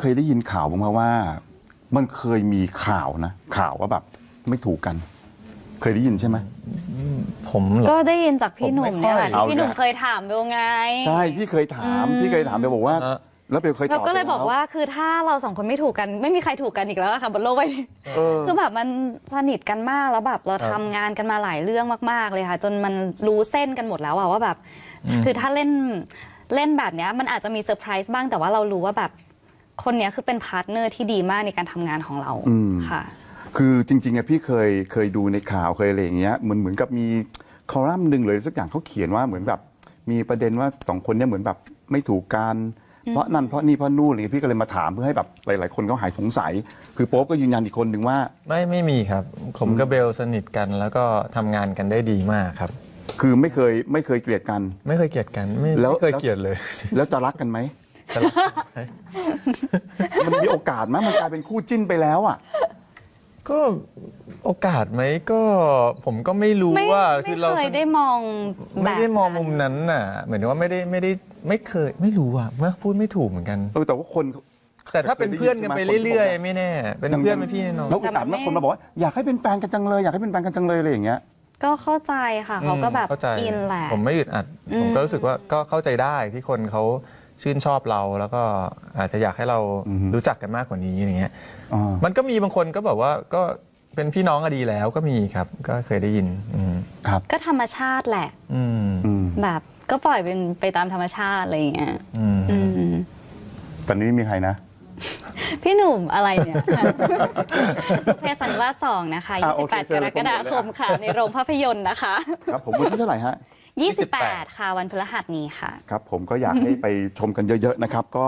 เคยได้ยินข่าวบ้างไหมว่ามันเคยมีข่าวนะข่าวว่าแบบไม่ถูกกันเคยได้ยินใช่ไหมผมก็ได้ยินจากพี่หนุ่มเนี่ยค่ะเอาที่พี่หนุ่มเคยถามเบลไงใช่พี่เคยถามเบลบอกว่าแล้วเบลเคยตอบเราก็เลยบอกว่าคือถ้าเราสองคนไม่ถูกกันไม่มีใครถูกกันอีกแล้วค่ะบนโลกใบนี้คือแบบมันสนิทกันมากแล้วแบบเราทำงานกันมาหลายเรื่องมากๆเลยค่ะจนมันรู้เส้นกันหมดแล้วว่าแบบคือถ้าเล่นแบบเนี้ยมันอาจจะมีเซอร์ไพรส์บ้างแต่ว่าเรารู้ว่าแบบคนเนี้ยคือเป็นพาร์ทเนอร์ที่ดีมากในการทำงานของเราค่ะคือจริงๆอะพี่เคยดูในข่าวเคยอะไรอย่างเงี้ยเหมือนกับมีคอลัมน์หนึ่งเลยสักอย่างเขาเขียนว่าเหมือนแบบมีประเด็นว่าสองคนเนี้ยเหมือนแบบไม่ถูกกันเพราะนั่นเพราะนี่เพราะนู่นอะไรเงี้ยพี่ก็เลยมาถามเพื่อให้แบบหลายๆคนเขาหายสงสัยคือโป๊ปก็ยืนยันอีกคนหนึ่งว่าไม่มีครับผมกับเบลสนิทกันแล้วก็ทำงานกันได้ดีมากครับคือไม่เคยเกลียดกันไม่เคยเกลียดกันไม่เคยเกลียดเลยแล้วจะรักกันไหมมันมีโอกาสไหมมันกลายเป็นคู่จิ้นไปแล้วอ่ะก็โอกาสไหมก็ผมก็ไม่รู้ว่าคือเราไม่ได้มองไม่ได้มองมุมนั้นน่ะเหมือนว่าไม่เคยไม่รู้อ่ะเมื่อพูดไม่ถูกเหมือนกันแต่ว่าคนแต่ถ้าเป็นเพื่อนกันไปเรื่อยๆไม่แน่เป็นเพื่อนเป็นพี่น้องแล้วแต่บางคนมาบอกว่าอยากให้เป็นแฟนกันจังเลยอยากให้เป็นแฟนกันจังเลยอะไรอย่างเงี้ยก็เข้าใจค่ะเขาก็แบบอินแหละผมไม่อึดอัดผมก็รู้สึกว่าก็เข้าใจได้ที่คนเขาชื่นชอบเราแล้วก็อาจจะอยากให้เรารู้จักกันมากกว่านี้อย่างเงี้ยมันก็มีบางคนก็แบบว่าก็เป็นพี่น้องก็ดีแล้วก็มีครับก็เคยได้ยินครับก็ธรรมชาติแหละแบบก็ปล่อยเป็นไปตามธรรมชาติอะไรอย่างเงี้ยตอนนี้ไม่มีใครนะพี่หนุ่มอะไรเนี่ยเพศสันวาส2นะคะ28 กรกฎาคมค่ะในโรงภาพยนตร์นะคะครับผมวันที่เท่าไหร่ฮะ 28ค่ะวันพฤหัสนี้ค่ะครับผมก็อยากให้ไปชมกันเยอะๆนะครับก็